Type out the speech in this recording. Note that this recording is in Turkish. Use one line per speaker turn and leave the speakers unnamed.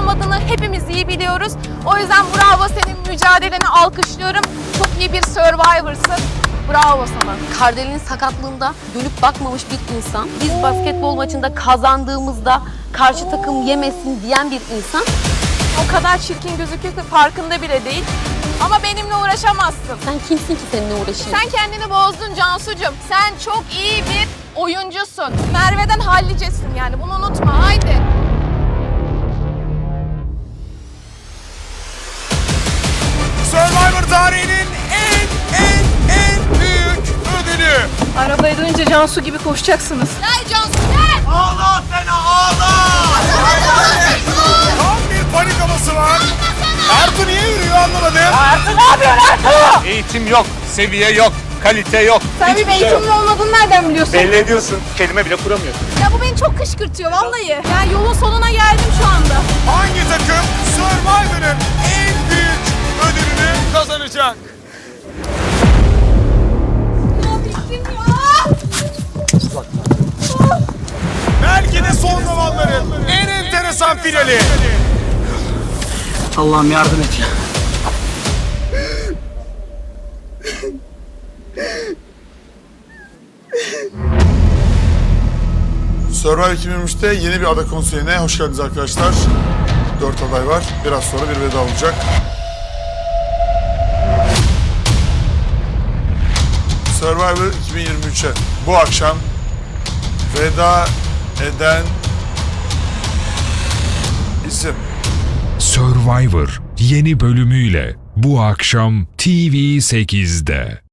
olmadığını hepimiz iyi biliyoruz. O yüzden bravo, senin mücadeleni alkışlıyorum. Çok iyi bir Survivor'sın. Bravo sana.
Kardelen'in sakatlığında dönüp bakmamış bir insan. Biz basketbol maçında kazandığımızda karşı takım yemesin diyen bir insan.
O kadar çirkin gözüküyor ki farkında bile değil. Ama benimle uğraşamazsın.
Sen kimsin ki seninle uğraşayım?
Sen kendini bozdun Cansucuğum. Sen çok iyi bir oyuncusun. Merve'den hallicesin yani, bunu unutma. Haydi.
Survivor tarihinin en büyük ödülü.
Arabaya dönünce Cansu gibi koşacaksınız. Gel Cansu gel.
Ağla Sena ağla. Tam bir panik havası var. Ertuğ niye yürüyor anlamadım.
Ertuğ ne yapıyorsun Ertuğ?
Eğitim yok, seviye yok, kalite yok.
Sen bir eğitimli olmadığını nereden biliyorsun?
Belli ediyorsun, kelime bile kuramıyorsun.
Ya bu beni çok kışkırtıyor vallahi. Yani yolun sonuna geldim şu anda.
Hangi takım Survivor'ın en büyük ödülünü kazanacak? Belki de son zamanların en enteresan finali.
Allah'ım yardım et ya.
Survivor 2023'te yeni bir ada konseyine hoş geldiniz arkadaşlar. 4 aday var. Biraz sonra bir veda olacak. Survivor 2023'e bu akşam veda eden isim.
Survivor yeni bölümüyle bu akşam TV8'de.